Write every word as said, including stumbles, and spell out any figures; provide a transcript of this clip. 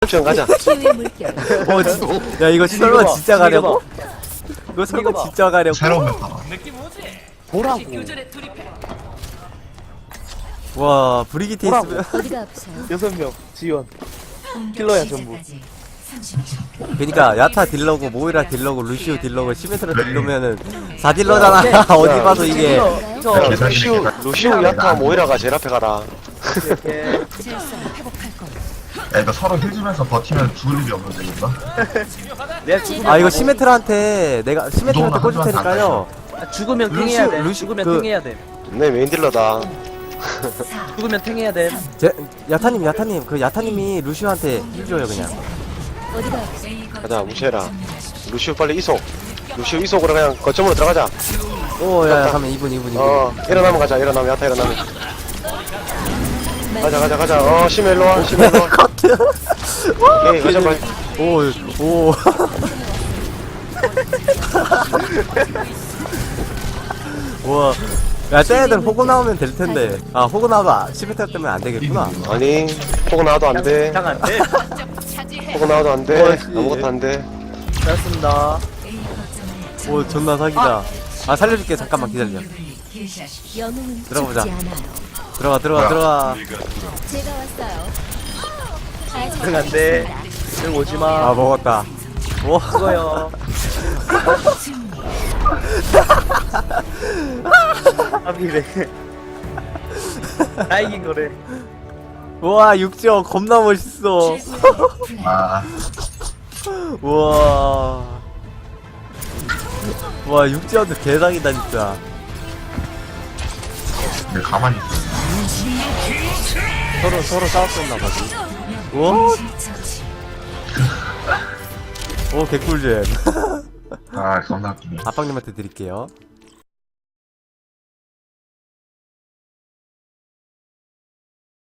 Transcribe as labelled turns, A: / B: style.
A: 옵션 가자.
B: 치유의 물결.
C: 어, 진- 야 이거 설마
D: 이거 봐,
C: 진짜 가려고?
D: 이거
C: 이거 설마
D: 이거 봐.
C: 진짜 가려고?
E: 새로운 메타다.
D: 보라고.
C: 와 브리기테
D: 뭐라고?
C: 있으면
B: 어디가 아프세요?
D: 여섯 명 지원. 킬러야 전부.
C: 그니까 야타 딜러고 모이라 딜러고 루시오 딜러고 시메트라 딜러면은 사 딜러잖아. 어디 봐도 이게
D: 이거
E: 야,
D: 이거
A: 루시우, 루시우, 야타, 모이라가 제일 앞에 가라.
D: 이렇게
E: 야, 이거 서로 힐주면서 버티면 죽을 일이 없는데, 이거?
D: 내가 죽으면
C: 아 이거
D: 다
C: 시메트라한테 내가 시메트라한테 꽂을 테니까요.
D: 먹- 아, 죽으면
C: 루시우,
D: 탱해야 돼.
C: 루시-
D: 죽으면
C: 그-
D: 탱해야 돼.
A: 내 메인 딜러다.
D: 죽으면 탱해야 돼.
C: 제, 야타님 야타님 그 야타님이 루시오한테 힐줘요 그냥.
B: 어디가 아프세요?
A: 가자, 무시해라. 루시우 빨리 이속. 루시우 이속으로 그냥 거점으로 들어가자.
C: 오야 가면 이분 이분 이분.
A: 어, 일어나면 가자, 일어나면, 야타 일어나면. 가자, 가자, 가자. 어, 심해 일로 와, 심해 일로 와.
C: 커트.
A: 오케이, 가자, 빨리.
C: 오 오. 와. 야, 쟤네들 호구 나오면 될 텐데. 아, 호구 나와도 시메트라 때문에 안 되겠구나.
A: 아니, 포고 나와도 안 돼.
D: 장안 돼.
A: 포고 나와도 안 돼.
C: 뭐지?
A: 아무것도 안 돼.
D: 잘했습니다.
C: 오, 존나 사기다. 아, 살려줄게. 잠깐만 기다려.
B: 영웅은
C: 들어가보자.
B: 죽지 않아요.
C: 들어가, 들어가,
E: 뭐야?
C: 들어가.
B: 제가 왔어요. 아직
D: 장안 돼. 응 오지
C: 아,
D: 마.
C: 먹었다. 오,
D: 죽어요. 아비래. 다 이긴 거래.
C: 우와, 육지어 겁나 멋있어.
E: 아,
C: 우와. 와, 육지어도 개사기다, 진짜.
E: 근데 가만히 있어.
C: 서로, 서로 싸웠었나 보지. 우와. 오, 개꿀잼.
E: 아, 겁나 웃기네.
C: 아빵님한테 드릴게요.